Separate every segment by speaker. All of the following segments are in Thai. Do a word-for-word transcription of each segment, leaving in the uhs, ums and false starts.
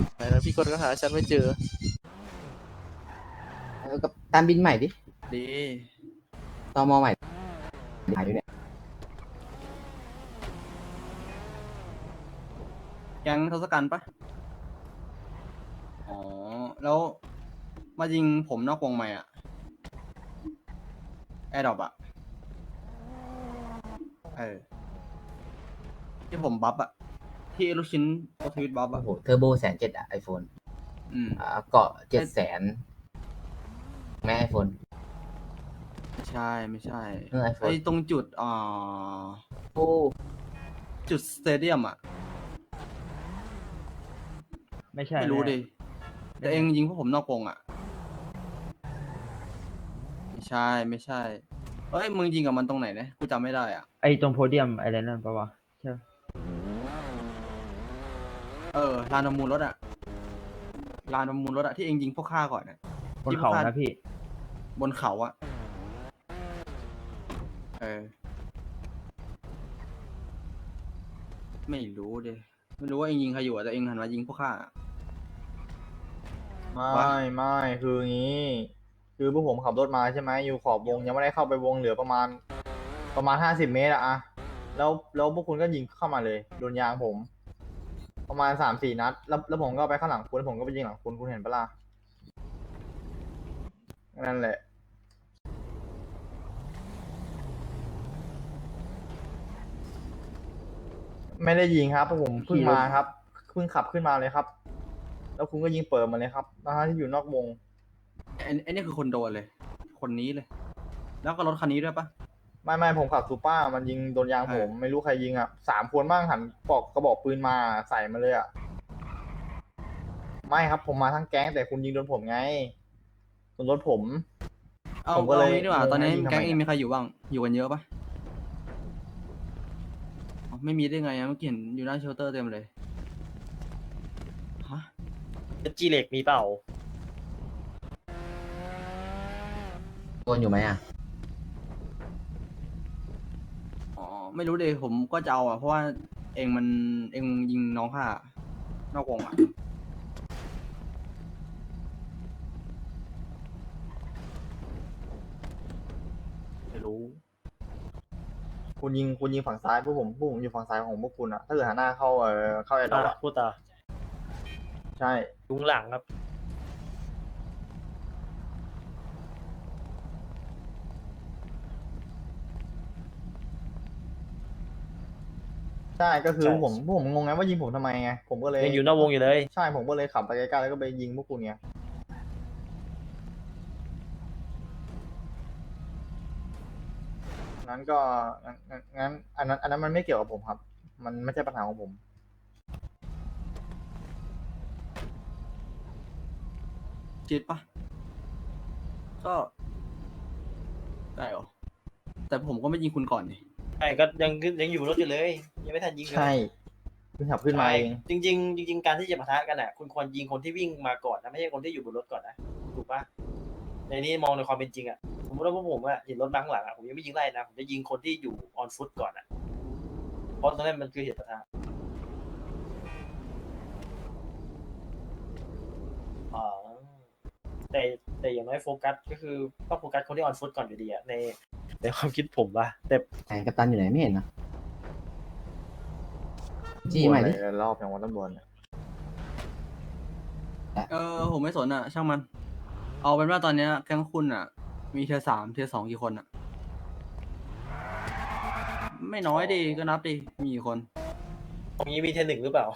Speaker 1: แล้วพี่กดก็หาฉันไม่เจอ
Speaker 2: เออกับตามบินใหม่ดิ
Speaker 1: ดี
Speaker 2: ตมใหม่หายอยู่เนี่ย
Speaker 3: แก๊งทศกัณฐ์ปะอ๋อ แล้วมายิงผมนอกวงไหมอะแอร์ดรอปอะเออ ที่ผมบัฟอะที่ลูกชิ้นโอทวิตบัฟ
Speaker 2: โอ้
Speaker 3: อะ
Speaker 2: โหเทอร์โบแสนเจ็ดอะไอโฟน
Speaker 3: อืม
Speaker 2: อ่าเกาะเจ็ดแสนแม่ไอโฟน
Speaker 3: ไม่ใช่ ไม่ใช่
Speaker 2: เออไอโฟ
Speaker 3: ไอ้
Speaker 2: น
Speaker 3: ตรงจุดอ่า
Speaker 2: โอ้
Speaker 3: จุดสเตเดียมอะ
Speaker 4: ไม่ใช่
Speaker 3: ไม่รู้
Speaker 4: แน่
Speaker 3: ดิ แต่เองยิงพวกผมนอกวงอะไม่ใช่ ไม่ใช่ เอ้ย มึงยิงกับมันตรงไหนเนี่ยกูจำไม่ได้อ่ะ
Speaker 4: ไอ้ตรงโพเดียมอะไรนั่นปะวะใช่
Speaker 3: เออลานประมูลรถอะลานประมูลรถอะที่เองยิงพวกข้าก่อนอะ
Speaker 4: บน
Speaker 3: ที่พว
Speaker 4: เขา
Speaker 3: กข้
Speaker 4: นะพี่
Speaker 3: บนเขาอะเออ ไม่รู้ดิไม่รู้ว่าเองยิงใครอยู่อะแต่เองหันมายิงพวกข้าอะ
Speaker 5: ไม่
Speaker 3: วะ
Speaker 5: ไม่คืองี้ คือพวกผมขับรถมาใช่ไหมอยู่ขอบวงยังไม่ได้เข้าไปวงเหลือประมาณ ประมาณห้าสิบเมตรอะอะแล้วแล้วพวกคุณก็ยิงเข้ามาเลยโดนยางผม ประมาณสามสี่นัดแล้วแล้วผมก็ไปข้างหลังคุณแล้วผมก็ไปยิงหลังคุณคุณเห็นปะล่ะนั่นแหละ ไม่ได้ยิงครับเพราะผมเพิ่งมาครับเพิ่งขับขึ้นมาเลยครับ แล้วคุณก็ยิงเปิดมาเลยครับทั้งๆที่อยู่นอกวง
Speaker 3: ไอ้ไอ้นี่คือคนโดนเลย คนนี้เลย แล้วก็รถคันนี้ด้วยปะ
Speaker 5: ไม่ไม่ผมขับซูเปอร์มันยิงโดนยางผม
Speaker 3: ใช่
Speaker 5: ไม่รู้ใครยิงอ่ะสามคนบ้างหันปอกกระบอกปืนมาใส่มาเลยอ่ะไม่ครับผมมาทั้งแก๊งแต่คุณยิงโดนผมไงโดนรถผม
Speaker 3: เอา
Speaker 5: ผมก็
Speaker 3: เอา
Speaker 5: เลย
Speaker 3: งี้ดีกว่า
Speaker 5: งง
Speaker 3: ตอนนี้
Speaker 5: ว่ายิงทำไม
Speaker 3: แก๊งเอง
Speaker 5: อะ
Speaker 3: มีใครอยู่บ้าง อยู่กันเยอะปะอ๋อไม่มีได้ไงอะเมื่อกี้เห็นอยู่หน้าเชลเตอร์เต็มเลย ฮะ
Speaker 6: จีเล็กมีเปล่า
Speaker 2: โดนอยู่ไหมอ่ะ
Speaker 3: อ๋อ ไม่รู้เลยผมก็จะเอาอ่ะ เพราะว่าเองมันเองยิงน้องข้านอกวงอ่ะ
Speaker 5: ไม่รู้ คุณยิงคุณยิงฝั่งซ้ายพวกผมพวกผมอยู่ฝั่งซ้ายของพวกคุณอะถ้าเกิดหันหน้าเข้าเออเข้าแอร์ดรอป
Speaker 6: อ่ะ
Speaker 5: อะ
Speaker 6: พูดต่อ
Speaker 5: ใช่
Speaker 6: ยุงหลังครับ
Speaker 5: ใช่ก็คือ
Speaker 6: ใช่
Speaker 5: ผมพวกผมงงไงว่ายิงผมทำไมไงผมก็เลย
Speaker 6: ยังอยู่นอกวงอยู่เลย
Speaker 5: ใช่ผมก็เลยขับไปใกล้ๆแล้วก็ไปยิงพวกคุณไงนั้นก็งั้นงั้นอันนั้นอันนั้นมันไม่เกี่ยวกับผมครับ มันไม่ใช่ปัญหาของผม
Speaker 3: ชิดปะก็ได้เหรอ แต่ผมก็ไม่ยิงคุณก่อนนี่
Speaker 6: ใช่ก็ยังยังอยู่บนรถอยู่เลย ยังไม่ทันยิงเลย
Speaker 5: ใช่เพิ่งขับขึ้นมาเอง
Speaker 6: จริงจริงๆจริงๆการที่จะปะทะกันอ่ะ คุณควรยิงคนที่วิ่งมาก่อนนะไม่ใช่คนที่อยู่บนรถก่อนนะถูกปะในนี้มองในความเป็นจริงอ่ะสมมติว่าพวกผมอ่ะเห็นรถมาข้างหลังอ่ะผมยังไม่ยิงไล่นะผมจะยิงคนที่อยู่ออนฟุตก่อนอ่ะเพราะตรงนั้นมันคือเหตุปะทะอ๋อแต่แต่อย่างน้อยโฟกัสก็คือต้องโฟกัสคนที่ออนฟุตก่อนอยู่ดีอ่ะในในความคิดผมว่ะแต่
Speaker 2: ไหนกัปตันอยู่ไหนไม่เห็นนะจี้ใหม่ดิ
Speaker 5: บ่นอะไรรอบอย่างวันตำรวจเนี่ย
Speaker 3: เออ ผมไม่สนอ่ะ ช่างมัน เอาเป็นว่าตอนเนี้ยแก๊งคุณอ่ะ มีเทียร์สามเทียร์สองกี่คนอ่ะ ไม่น้อยดีก็นับดิ มีกี่คน
Speaker 6: ตรงนี้มีเทนหนึ่งหรือเปล่า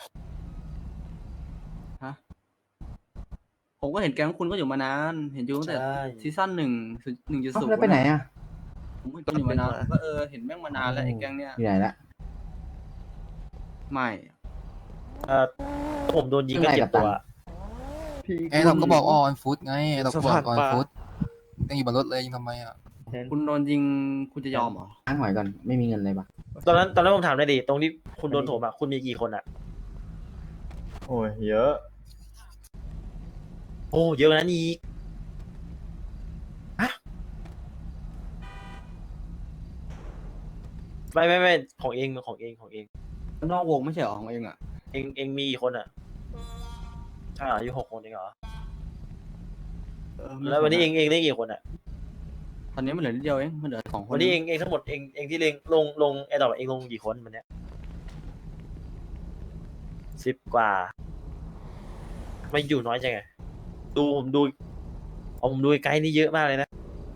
Speaker 3: ฮะ ผมก็เห็นแก๊งคุณก็อยู่มานาน เห็นอยู่ตั้งแต่
Speaker 6: ใช่
Speaker 3: ซีซั่นหนึ่งหนึ่งจุด
Speaker 2: เอ้า
Speaker 3: ศูนย์
Speaker 2: แล้วไปไหนอ่ะ
Speaker 3: ผมเห็นคุณอยู่มานานก็เออ เห็นแม่งมานานแล้วไอ้แก๊งเนี้ย
Speaker 2: อยู่ไหนละ
Speaker 3: ไม่
Speaker 6: เออผมโดนยิงก็เจ็บตัว
Speaker 7: เอ้ยเราก็บอกออนฟุตไงเราก็บอกออนฟุตยังอยู่บนรถเลยยังทำไมอ่ะ
Speaker 3: คุณโดนยิงคุณจะยอมเหรอ
Speaker 2: อ้างหอยก่อนไม่มีเงินเลยปะ
Speaker 6: ตอนนั้นตอนนั้นผมถามได้ดิตรงที่คุณโดนโถมอ่ะคุณมีกี่คนอ่ะ
Speaker 5: โอ้ยเยอะ
Speaker 6: โอ้เยอะกว่านั้นอีกฮะไม่ไม่ไม่ของเองของเองของเอง
Speaker 3: นอกวงไม่ใช่เหรอของเองอ่ะ
Speaker 6: เองเองมีกี่คนอ่ะใช่เหรออยู่หกคนเองเหรอ
Speaker 3: เออไม่
Speaker 6: แล้ววันนี้เองเองเล่นกี่คนอ่ะ
Speaker 3: ตอนนี้มันเหลือนิดเดียวเองมันเหลือสองคน
Speaker 6: วันนี้เองเองทั้งหมดเองเองที่เล่นลงลงไอ้ดอกเองลงกี่คนวันเนี้ยสิบกว่าไม่อยู่น้อยจังไงดูผมดูเอาผมดูไกด์นี่เยอะมากเลยนะ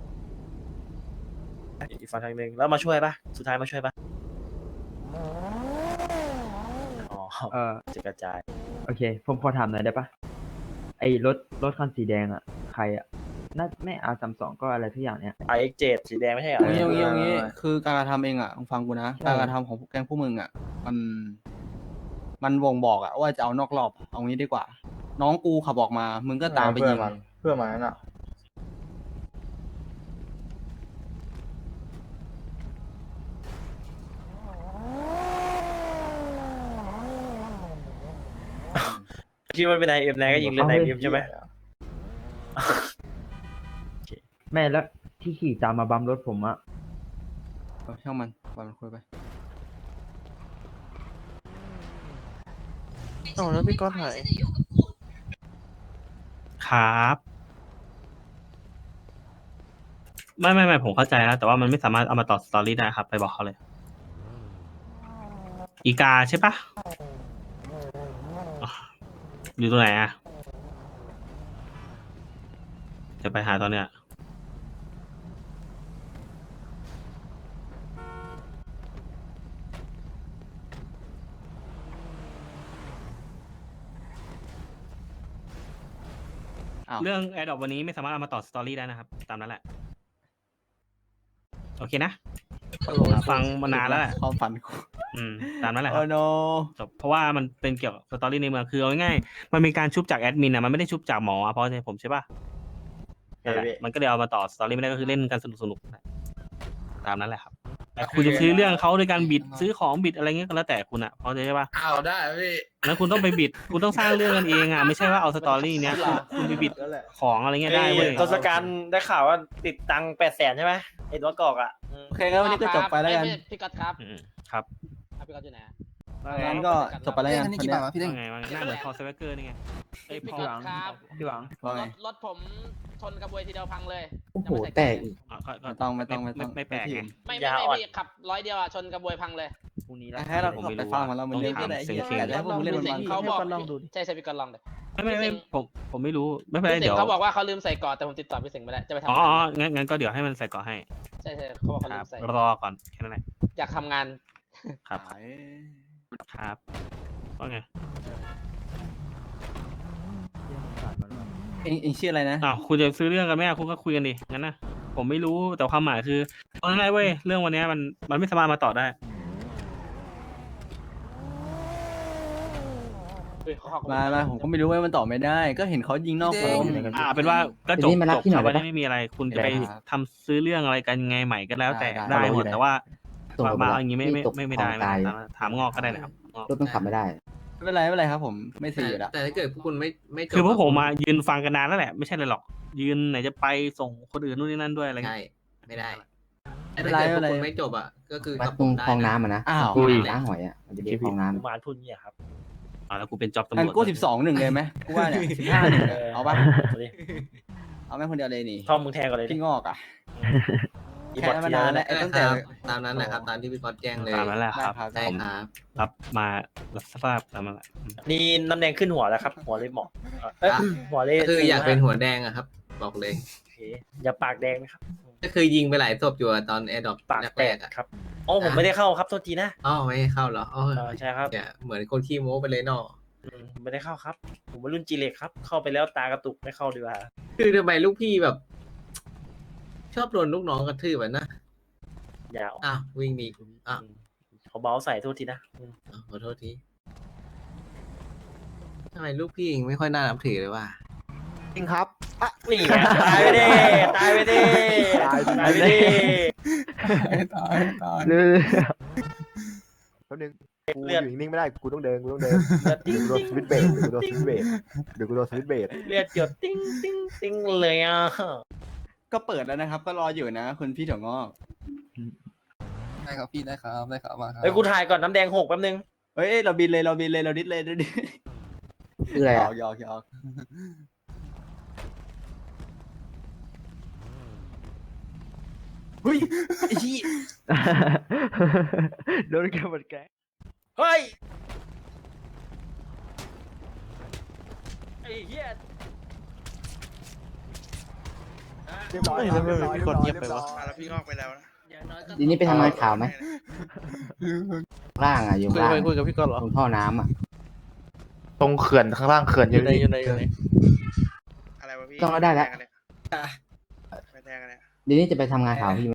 Speaker 6: อีกฝั่งทางหนึ่งแล้วมาช่วยปะสุดท้ายมาช่วยปะอ๋อ
Speaker 4: เออ
Speaker 6: จะกระจาย
Speaker 4: โอเค ผมขอถามหน่อยได้ปะไอ้รถรถคันสีแดงอ่ะ ใครอ่ะ น่าไม่อาร์สามสองก็อะไรทุกอย่างเนี้ย
Speaker 6: ไอเอ็กเจ็ดสีแดงไม่ใช่เหรอ
Speaker 3: เอางี้เอางี้เอางี้คือการกระทำเองอ่ะมึงฟังกูนะ
Speaker 4: ใช่
Speaker 3: การกระทำของแก๊งพวกมึงอ่ะ มัน มันวงบอกอ่ะว่าจะเอานอกรอบอะเอางี้ดีกว่า น้องกูขับออกมา มึงก็ตามไป
Speaker 5: เพื่
Speaker 3: ยิ
Speaker 5: อน
Speaker 3: ง
Speaker 5: มันเพื่อนมันนั่นอ่ะ
Speaker 6: คิดว่าเป็นไอเอ็มแรงก็ยิงเล่นไอเอ็มใช่ไหม
Speaker 4: แม่แล้วที่ขี่ตามมาบัมรถผมอ่ะ
Speaker 3: เออช่างมันปล่อยมันคุยไป
Speaker 1: อ๋อแล้วพี่ก้อนหาย
Speaker 8: ครับ ไม่ไม่ไม่ผมเข้าใจแล้วแต่ว่ามันไม่สามารถเอามาต่อสตอรี่ได้ครับ ไปบอกเขาเลย อีกาใช่ปะอ๋ออยู่ตรงไหนอะจะไปหาตอนเนี้ย
Speaker 3: อ้าว
Speaker 8: เรื่องแอดดอวันนี้ไม่สามารถเอามาต่อสตอรี่ได้นะครับ ตามนั้นแหละ โอเคนะ ฟังมานานแล้วแหละ
Speaker 3: ความฝันกู
Speaker 8: อืม ตามนั้นแหละค
Speaker 3: โอ้
Speaker 8: รับ
Speaker 3: โน
Speaker 8: จบเพราะว่ามันเป็นเกี่ยวกับสตอรี่ในเมืองคือเอาง่ายๆมันมีการชุบจากแอดมินอ่ะมันไม่ได้ชุบจากหมออะเพราะใช่ผมใช่ป่ะนั่นแหละมันก็เลยเอามาต่อสตอรี่ไม่ได้ก็คือเล่นกันสนุกสนุกๆตามนั้นแหละครับแต่คุณจะซื้อเรื่องเขาโดยการบิดซื้อของบิดอะไรเงี้ยก็แล้วแต่คุณอ่ะเพราะใช่ป่ะ
Speaker 7: เอาได้พี่
Speaker 8: แล้วคุณต้องไปบิดคุณต้องสร้างเรื่องกันเองอ่ะไม่ใช่ว่าเอาสตอรี่เนี้ยคุณคุณไปบิดของอะไรเงี้ยได้เว้ย
Speaker 6: ทศกัณฐ์ได้ข่าวว่าติดตังแปดแสนใช่ไหมไอ้ตัวกอกอ่ะอืม
Speaker 3: โอเคงั้นวันนี้ก็จบไปแล้วกัน
Speaker 9: ม่ม่พี่ก๊อตครับ
Speaker 8: อืมครับ
Speaker 9: อ่ะพี่ก๊อตอยู่ไหนอะ
Speaker 3: งั้นก็จบไปแล้วกัน
Speaker 7: อันนี้
Speaker 3: วัน
Speaker 7: กี่
Speaker 3: นี้
Speaker 7: บาทวะพี่เด้ง
Speaker 8: ว่าไงว่าไงหน้าเหมือนพอสเวกเกอร์นี่ไงไอ้ย
Speaker 9: พี่
Speaker 8: พอ
Speaker 9: ก๊อตครับ
Speaker 4: พี่หวัง
Speaker 3: ว่าไง
Speaker 9: รถรถผมชนกระบวยทีเดียวพังเลย
Speaker 2: โอ้โห
Speaker 9: ยังไม่ใส่
Speaker 2: แต
Speaker 9: เย
Speaker 2: ก
Speaker 9: ร์
Speaker 2: อีก
Speaker 8: อ่ะก็ก็
Speaker 3: ไม่ต้องไม่ต้องไม่ต้อง
Speaker 8: ไม่แปลกไง
Speaker 9: ไม่ไม่ไม่พี่ขับร้อยเดียวอ่ะชนกระบวยพังเลย
Speaker 4: พรุ่งนี้แล้ว
Speaker 3: แค่เรา
Speaker 8: ผม
Speaker 3: ขับ
Speaker 8: ไม่
Speaker 3: ไป
Speaker 8: รู้
Speaker 3: ฟัง
Speaker 8: อะ
Speaker 3: มาแล้วมัน
Speaker 8: ต้อง
Speaker 3: เล่น
Speaker 8: ถาม
Speaker 3: อะไร
Speaker 8: เสียง
Speaker 3: เหี้ย
Speaker 8: เสียง
Speaker 3: แต่ให้พวกมึงเล่นมัน
Speaker 9: เขาบอก
Speaker 1: ลองดูดิ
Speaker 9: ใช่ใช่พี่ก๊อตลองเลย
Speaker 8: ไม่ไม่ไม่ผมผมไม่รู้ไม่เป็นไร
Speaker 9: พี่สิง
Speaker 8: เดี๋ยว
Speaker 9: ห์เขาบอกว่าเขาลืมใส่กอดแต่ผมติดต่อพี่สิงห์ไม่ได้จะไปทำ
Speaker 8: อ๋อง
Speaker 9: าน
Speaker 8: อ๋องั้นงั้นก็เดี๋ยวให้มันใส่เกาะให้
Speaker 9: ใช่ใช่เขาบอกเขา
Speaker 8: ค
Speaker 9: ลื
Speaker 8: รับ
Speaker 9: มใส่
Speaker 8: รอก่อนแค่นั้นแหละ
Speaker 9: อยากทำงาน
Speaker 8: ครับครับว่าไง
Speaker 3: เองเองชื่ออะไรนะ
Speaker 8: อ้าวคุณจะซื้อเรื่องกันไหมอ่ะคุณก็คุยกันดิงั้นนะผมไม่รู้แต่ความหมายคือเอาง่ายๆเว้ยเรื่องวันเนี้ยมันมันไม่สามารถมาต่อได้
Speaker 9: เฮ้ยเขาเขา
Speaker 3: มามาผมก็ไม่รู้ว่ามันตอบไม่ได้ ก็เห็นเขายิงนอกวง
Speaker 8: อ่าเป็นว่าก็จบ
Speaker 2: เดี๋ยวนี้มารับ
Speaker 8: จบ
Speaker 2: พี่หน่
Speaker 8: ค
Speaker 2: อ
Speaker 8: รั
Speaker 2: ย
Speaker 8: บ
Speaker 2: ได้
Speaker 8: วัน
Speaker 2: ปะ
Speaker 8: นี้ไม่มีอะไร คุณจะไป
Speaker 3: ได้ครับ
Speaker 8: ทำซื้อเรื่องอะไรกันไงใหม่ก็แล้วแต่
Speaker 3: ได้
Speaker 8: ได้
Speaker 3: ได้
Speaker 8: หมด
Speaker 3: ได้
Speaker 8: แต่ว่า
Speaker 2: ส่ง
Speaker 8: มา
Speaker 2: ระบบ
Speaker 8: มา
Speaker 2: ละ
Speaker 8: อย่างงี้ไม่
Speaker 2: ที่
Speaker 8: ไม่
Speaker 2: ตก
Speaker 8: ไม่ไม่ได้
Speaker 2: กอง
Speaker 8: ไม่
Speaker 2: ตาย
Speaker 8: ได้ถามงอกก็ได้นะครับงอก
Speaker 2: รถมันขับไม่ได้
Speaker 3: ไม่เป็นไรไม่เป็นไรครับ ผมไม่ซีอยู่แล้ว
Speaker 10: แต่ถ้าเกิดพวกคุณไม่ไม่จบ
Speaker 8: คือพวกผม
Speaker 10: ะ
Speaker 8: มายืนฟังกันนานแล้วแหละไม่ใช่เลยหรอก ยืนไหนจะไปส่งคนอื่นนู่นนี่นั่นด้วยอะไร
Speaker 10: ใช่
Speaker 8: เงี้ย
Speaker 10: ไม่ได้
Speaker 3: ไม่
Speaker 10: แต่
Speaker 3: เป็น
Speaker 10: ถ้า
Speaker 3: ไร
Speaker 10: เกิดพวก
Speaker 3: ไม่
Speaker 10: คุณ
Speaker 3: เป็นไร
Speaker 10: ไม่จบอ่ะก็คือ
Speaker 2: วัด
Speaker 10: กับ
Speaker 2: ต
Speaker 10: ผ
Speaker 2: รง
Speaker 10: มได้
Speaker 2: คลองน้ำ
Speaker 10: นะ
Speaker 2: อ่ะนะ
Speaker 3: อ้าว
Speaker 2: ที่ล้างหอยอ่ะมันจะเรียกคลองน้ำ
Speaker 6: กุมารทุนเนี่ยครับ
Speaker 8: อ่าแล้วกูเป็นจ็อบตำร
Speaker 3: งั้น
Speaker 8: วจ
Speaker 3: กูสิบสองหนึ่งเลยไหมกูว่าเนี่ยสิบห้าหนึ่งเลยเอาปะ
Speaker 6: เอาดิ
Speaker 3: เอาแม่คนเดียวเลยนี่
Speaker 6: ท่อมมึงแทงก่อนเลยดิ
Speaker 3: พี่งอกอ่ะ
Speaker 6: อี
Speaker 3: แค่
Speaker 6: บอท
Speaker 3: นั้น
Speaker 6: เที
Speaker 3: มาย นาน
Speaker 6: ร์
Speaker 3: แล้ว
Speaker 10: ใช่
Speaker 3: ตั้ง
Speaker 10: ค
Speaker 3: แต่
Speaker 10: รับตามนั้นแหละครับตามที่พี่ก๊อตแจ้งเลย
Speaker 8: ตามนั้นแหละครับ
Speaker 3: ได้ครับ
Speaker 10: ใช่
Speaker 8: ผม
Speaker 10: ครับ
Speaker 8: รับมารับทราบตามนั้นแหละ
Speaker 6: นี่น้ำแดงขึ้นหัวแล้วครับ หัวเลยหมอกเอ้ยหัวเลย
Speaker 10: ก็คืออยากเป็นหัวแดงอะครับ บอกเลย
Speaker 6: โอเคอย่าปากแดงนะครับ
Speaker 10: ก็คือยิงไปหลายศพอยู่อะตอนแอร์ดรอป
Speaker 6: ปากแต
Speaker 10: แร
Speaker 6: ก
Speaker 10: กๆอะ
Speaker 6: ครับอ๋อผมไม่ได้เข้าครับโทษทีนะ
Speaker 10: อ๋อไม่ให้เข้าเหรออ๋อ
Speaker 6: เออใช่ครับ
Speaker 10: เนี่ยเหมือนคนขี้โม้ไปเลยเนาะ
Speaker 6: อืมผมไม่ได้เข้าครับ ผมเป็นรุ่นจีเล็กครับ เข้าไปแล้วตากระตุกไม่เข้าดีกว่า
Speaker 10: คือทำไมลูกพี่แบบ ชอบโดนลูกน้องกระทืบอะนะ
Speaker 6: อย่าออก
Speaker 10: อ้าววิ่งหนีอ้าว
Speaker 6: เขาเบาใส่โทษทีนะอืม
Speaker 10: อ้าวขอโทษทีทำไมลูกพี่เองไม่ค่อยน่านับถือเลยว่ะ
Speaker 1: จริงครับ
Speaker 6: นี่ไงตายไปดิตายไปดิตายไปดิ
Speaker 7: ตายตาย
Speaker 4: เรื่อย
Speaker 1: แป๊บนึงกู
Speaker 6: เลือด
Speaker 1: อยู่นิ่งๆไม่ได้กูต้องเดินกูต้องเดิน
Speaker 6: เลือดติ้ง
Speaker 1: เดี๋ยวกูโดนสวิตช์เบรกเดี๋ยวกูโดนสวิตช์เบรกเดี๋ยวกูโดนสวิตช์เบรก
Speaker 6: เลือดหยดติ้งติ้งติ้งเลยอ่ะ
Speaker 3: ก็เปิดแล้วนะครับ ก็รออยู่นะ คุณพี่ถั่วงอก
Speaker 7: ได้ครับพี่ได้ครับได้ครับมาครับ
Speaker 6: เฮ้ยกูถ่ายก่อนน้ำแดงหกแป๊บนึง
Speaker 3: เฮ้ยเราบินเลยเราบินเลยเราดิสเลยเราดิส
Speaker 2: คืออะไร
Speaker 5: หย
Speaker 2: อ่ะ
Speaker 5: อกหยอกหยอก
Speaker 6: เฮ้ยไอ้ที่
Speaker 4: โดนแกหมดแกง
Speaker 6: เฮ้ยไอ้เหี้ย
Speaker 1: เรียบร้อยครับเรียบร้อยเรียบร้อยเรียบร้อย
Speaker 11: แล้วพี่งอกไปแล้วนะ
Speaker 2: ทีนี้ไปทำงานข่าวไหมล่างอ่ะอยู่
Speaker 9: คุย
Speaker 2: ล่าง
Speaker 9: คุยกับพี่ก่อนเหรอ
Speaker 2: ตรงท่อน้ำอ่ะ
Speaker 5: ตรงเขื่อนข้างล่างเขื่อน
Speaker 9: อยู่ในอยู่ในอยู่ใน
Speaker 11: อะไรวะพี่
Speaker 2: ต้องเอาได้แล้ว
Speaker 11: ไปแทงกันเลย
Speaker 2: ทีนี้จะไปทำงานข่าวพี่